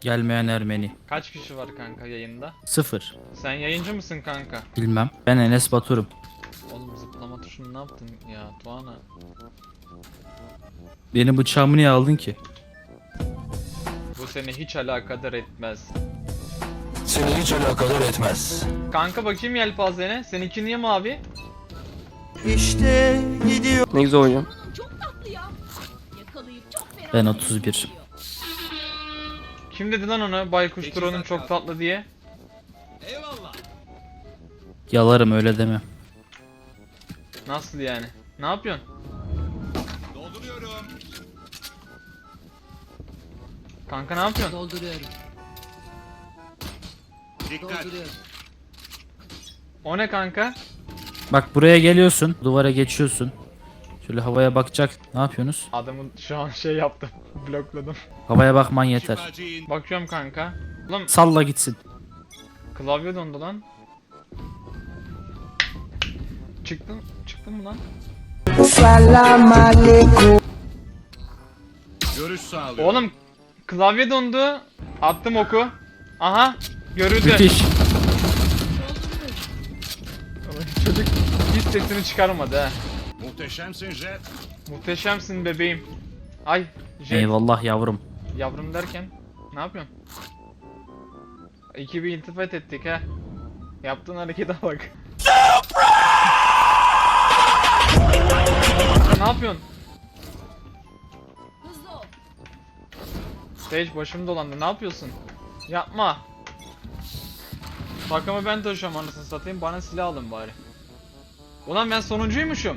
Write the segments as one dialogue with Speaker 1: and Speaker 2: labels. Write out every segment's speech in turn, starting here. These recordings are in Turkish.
Speaker 1: Gelmeyen Ermeni.
Speaker 2: Kaç kişi var kanka yayında?
Speaker 1: 0.
Speaker 2: Sen yayıncı mısın kanka?
Speaker 1: Bilmem. Ben Enes Batur'um.
Speaker 2: Oğlum zıplama tuşunu ne yaptın ya Tuana?
Speaker 1: Benim bıçağımı niye aldın ki?
Speaker 2: Bu seni hiç alakadar etmez.
Speaker 3: Seni hiç alakadar etmez.
Speaker 2: Kanka bakayım yelpazene. Seninki niye mavi?
Speaker 3: İşte gidiyor.
Speaker 4: Ne güzel oynuyorum.
Speaker 5: Çok tatlı ya. Yakalayıp çok fena.
Speaker 1: Ben 31.
Speaker 2: Kim dedi lan ona Baykuş Turan'ın çok tatlı diye?
Speaker 1: Yalarım öyle deme.
Speaker 2: Nasıl yani? Ne yapıyorsun? Kanka ne yapıyorsun?
Speaker 6: Dolduruyorum. Dolduruyorum.
Speaker 2: O ne kanka?
Speaker 1: Bak buraya geliyorsun. Duvara geçiyorsun. Şöyle havaya bakacak. Ne yapıyorsunuz?
Speaker 2: Adamın şu an şey yaptım. Blokladım.
Speaker 1: Havaya bakman yeter.
Speaker 2: Bakıyorum kanka. Oğlum
Speaker 1: Salla gitsin.
Speaker 2: klavye dondu lan. Çıktın mı lan?
Speaker 7: Görüş sağlıyor.
Speaker 2: Oğlum klavye dondu. Attım oku. Aha görüldü.
Speaker 1: Müthiş.
Speaker 2: Çocuk hiç sesini çıkarmadı ha.
Speaker 7: Muhteşemsin Jet.
Speaker 2: Muhteşemsin bebeğim. Ay Jet.
Speaker 1: Eyvallah yavrum.
Speaker 2: Yavrum derken ne yapıyorsun? İki bir iltifat ettik ha. Yaptığın harekete bak. Ne yapıyorsun?
Speaker 5: Hızlı ol.
Speaker 2: Sage başım dolandı. Ne yapıyorsun? Yapma. Takımı ben taşıyorum anasını satayım. Bana silah alın bari. Ulan ben sonuncuymuşum.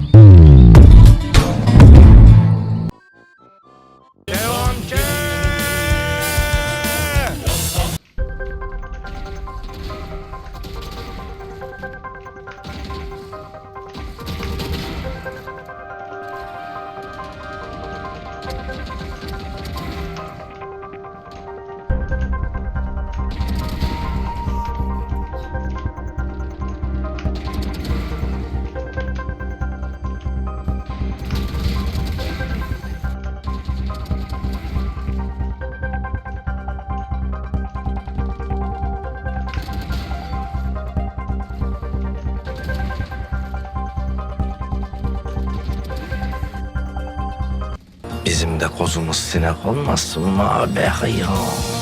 Speaker 3: Bizim de kozumuz sinek olmasın mı abi ya?